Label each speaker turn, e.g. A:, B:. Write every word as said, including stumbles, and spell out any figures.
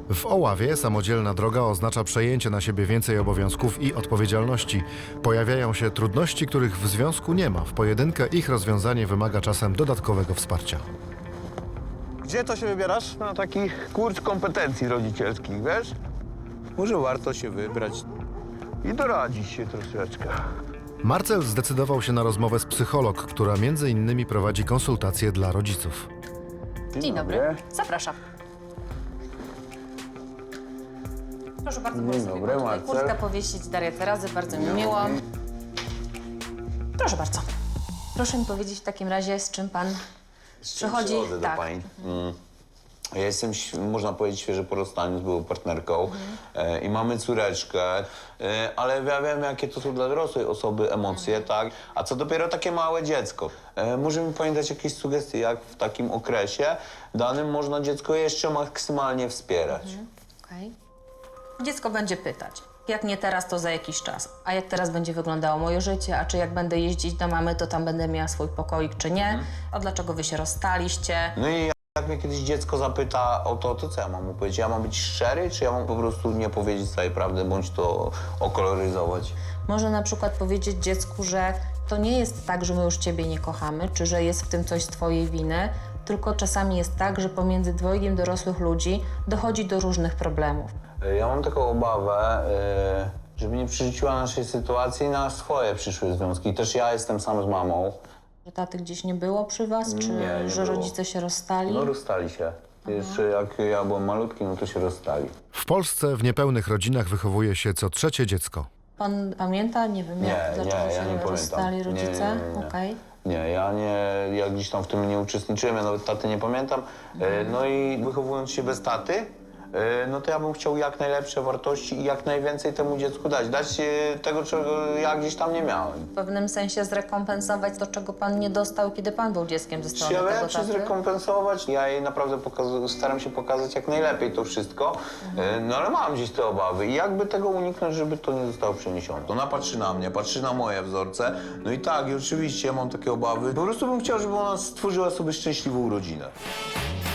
A: W Oławie samodzielna droga oznacza przejęcie na siebie więcej obowiązków i odpowiedzialności. Pojawiają się trudności, których w związku nie ma. W pojedynkę ich rozwiązanie wymaga czasem dodatkowego wsparcia.
B: Gdzie to się wybierasz?
C: Na taki kurs kompetencji rodzicielskich, wiesz?
B: Może warto się wybrać.
C: I doradzić się troszeczkę.
A: Marcel zdecydował się na rozmowę z psycholog, która między innymi prowadzi konsultacje dla rodziców.
D: Dzień dobry. Zapraszam. Proszę bardzo,
C: Dzień
D: proszę sobie
C: dobry,
D: tutaj
C: Marcel.
D: kurtkę powiesić. Daria Terazy, bardzo mi miło. Proszę bardzo. Proszę mi powiedzieć w takim razie, z czym pan przychodzi.
C: Przychodzę
D: Tak.
C: do pani. Mm. Ja jestem, ś- można powiedzieć, świeżo po rozstaniu z byłą partnerką e, i mamy córeczkę, e, ale ja wiem, jakie to są dla dorosłej osoby emocje, tak? A co dopiero takie małe dziecko. E, może mi pani dać jakieś sugestie, jak w takim okresie danym można dziecko jeszcze maksymalnie wspierać?
D: Okej. Dziecko będzie pytać, jak nie teraz, to za jakiś czas. A jak teraz będzie wyglądało moje życie? A czy jak będę jeździć do mamy, to tam będę miała swój pokoik, czy nie? A dlaczego wy się rozstaliście?
C: No i jak mnie kiedyś dziecko zapyta o to, to co ja mam mu powiedzieć? Ja mam być szczery, czy ja mam po prostu nie powiedzieć całej prawdy, bądź to okoloryzować?
D: Może na przykład powiedzieć dziecku, że to nie jest tak, że my już ciebie nie kochamy, czy że jest w tym coś z twojej winy, tylko czasami jest tak, że pomiędzy dwojgiem dorosłych ludzi dochodzi do różnych problemów.
C: Ja mam taką obawę, yy, żeby nie przerzuciła naszej sytuacji na swoje przyszłe związki. Też ja jestem sam z mamą.
D: Że taty gdzieś nie było przy was, czy
C: Nie, nie
D: że
C: było.
D: rodzice się rozstali?
C: No rozstali się. Jeszcze jak ja byłem malutki, no to się rozstali.
A: W Polsce w niepełnych rodzinach wychowuje się co trzecie dziecko.
D: Pan pamięta? Nie wiem,
C: Nie,
D: jak, dlaczego
C: nie,
D: się
C: ja nie pamiętam.
D: rozstali
C: Nie,
D: rodzice?
C: nie, nie, nie.
D: Okej.
C: Nie, ja nie, ja gdzieś tam w tym nie uczestniczyłem, ja nawet taty nie pamiętam. E, No i wychowując się bez taty, e, no to ja bym chciał jak najlepsze wartości i jak najwięcej temu dziecku dać. Dać e, tego, czego ja gdzieś tam nie miałem.
D: W pewnym sensie zrekompensować to, czego pan nie dostał, kiedy pan był dzieckiem ze
C: Czy
D: strony
C: ja
D: tego
C: wiem, czy
D: taty?
C: zrekompensować? Ja jej naprawdę pokazu- staram się pokazać jak najlepiej to wszystko, e, no ale mam gdzieś te obawy i jakby tego uniknąć, żeby to nie zostało przeniesione. Ona patrzy na mnie, patrzy na moje wzorce, no i tak, i oczywiście ja mam takie obawy. Po prostu bym chciał, żeby ona stworzyła sobie szczęśliwą rodzinę.